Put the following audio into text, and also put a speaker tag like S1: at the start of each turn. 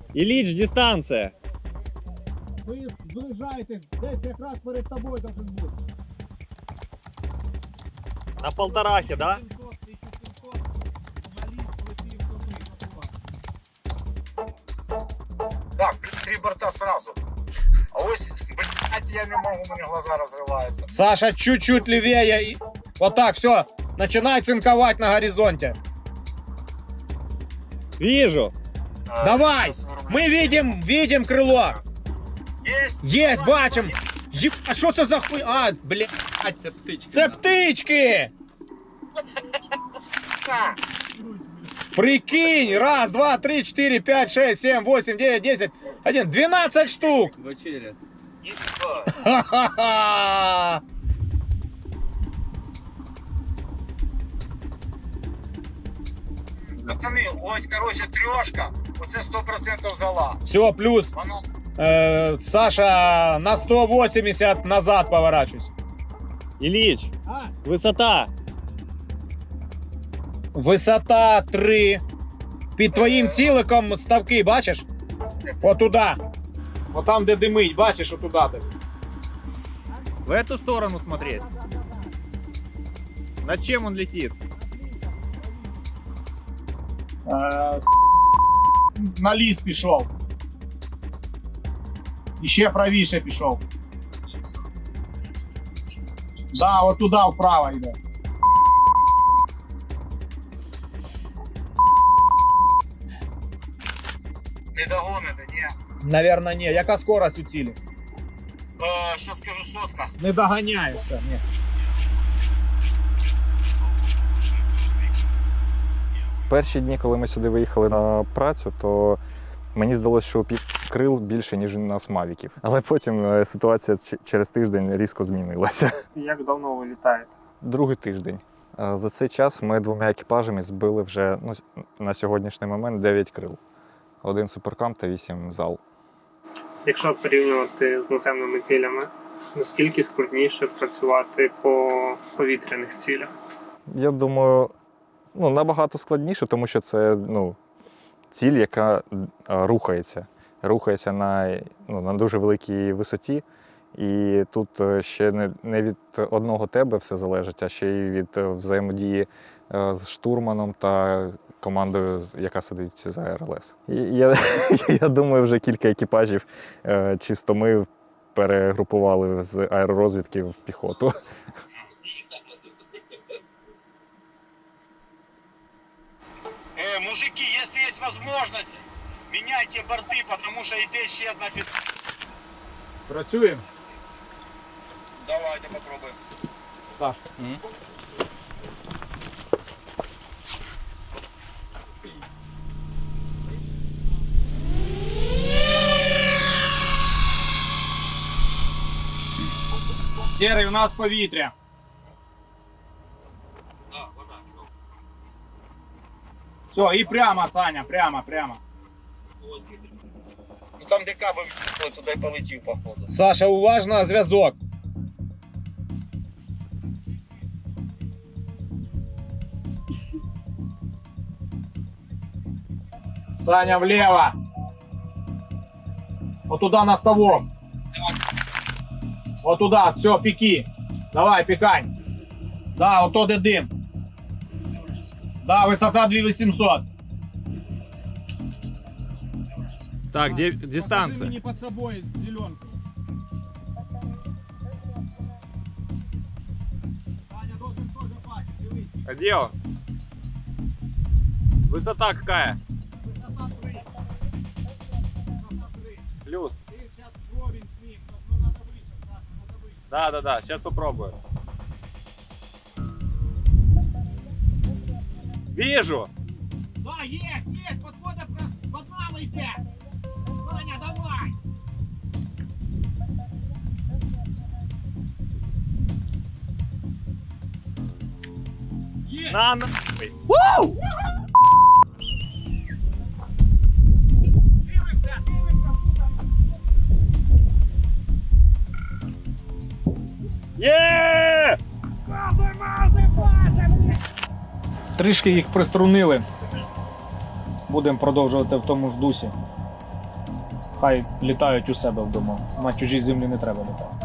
S1: Ілліч, дистанція.
S2: Ви зближаєтесь, десь якраз перед тобою должен бути.
S1: На полторахи, да?
S2: 700, 1700, журналіст летів туди.
S3: Так, 3 борта сразу. А ось, блядь, я не можу, у мене глаза розриваються.
S2: Саша, чуть-чуть левее. Вот так, все. Начинай цинковать на горизонте.
S1: Вижу.
S2: Давай! Мы видим крыло. Есть, бачим. А що це за хуй? А, блядь.
S4: Це птички.
S2: Це птички! Прикинь! Раз, два, три, 4, 5, 6, 7, 8, 9, 10, 11, 12 штук!
S4: Вечеря.
S2: Ха-ха-ха!
S3: Пацани, ось, короче, трьошка. Оце 100% зала.
S2: Все, плюс.
S3: Воно
S2: Саша, на 180 назад поворачивайся.
S1: Ілліч, висота.
S2: Висота 3. Під твоїм ціликом ставки, бачиш? Отуда. От там, де димить, бачиш, отуда ти.
S1: В эту сторону смотреть. Над чем он летит?
S2: На ліс пішов. І ще правіше пішов. Да, от туди вправо йде.
S3: не догоните, ні.
S2: Наверно, ні. Яка скорость у цілі?
S3: Що скажу, 100.
S2: Не доганяє все, ні.
S5: Перші дні, коли ми сюди виїхали на працю, то мені здалося, що крил більше, ніж у нас мавіків. Але потім ситуація через тиждень різко змінилася.
S6: Як давно ви літаєте?
S5: Другий тиждень. За цей час ми 2 екіпажами збили вже на сьогоднішній момент 9 крил. 1 суперкам та 8 зал.
S6: Якщо порівнювати з наземними цілями, наскільки складніше працювати по повітряних цілях?
S5: Я думаю, набагато складніше, тому що це ціль, яка рухається. Рухається на дуже великій висоті. І тут ще не від одного тебе все залежить, а ще й від взаємодії з штурманом та командою, яка сидить за РЛС. І я думаю, вже кілька екіпажів чисто ми перегрупували з аеророзвідки в піхоту.
S3: Мужики, якщо є можливість, міняйте борти, тому що йде ще одна під...
S2: Працюємо.
S3: Давайте попробуємо.
S2: Саш. Серий, у нас повітря. Все, і прямо, Саня, прямо.
S3: Ну там де каби в'їхали, туди й полетів, походу.
S2: Саша, уважно, зв'язок. Саня, влево. Вот туда на ставок. Вот туда, все, пеки. Давай, пекай. Да, вот тот и дым. Да, высота 2800.
S1: Так, дистанция.
S2: Не под собой зеленку. Саня должен тоже пасть, дивись.
S1: А где он? Высота какая?
S2: Высота 3. Высота 3.
S1: Плюс.
S2: Ты сейчас вровень с ним, но надо выше, Саша, надо выше.
S1: Да, сейчас попробую. Вижу.
S2: Да, есть, подхода под нами идет. Саня, давай. Есть.
S1: На нахуй. Є!
S2: Трішки їх приструнили. Будемо продовжувати в тому ж дусі. Хай літають у себе вдома. На чужій землі не треба літати.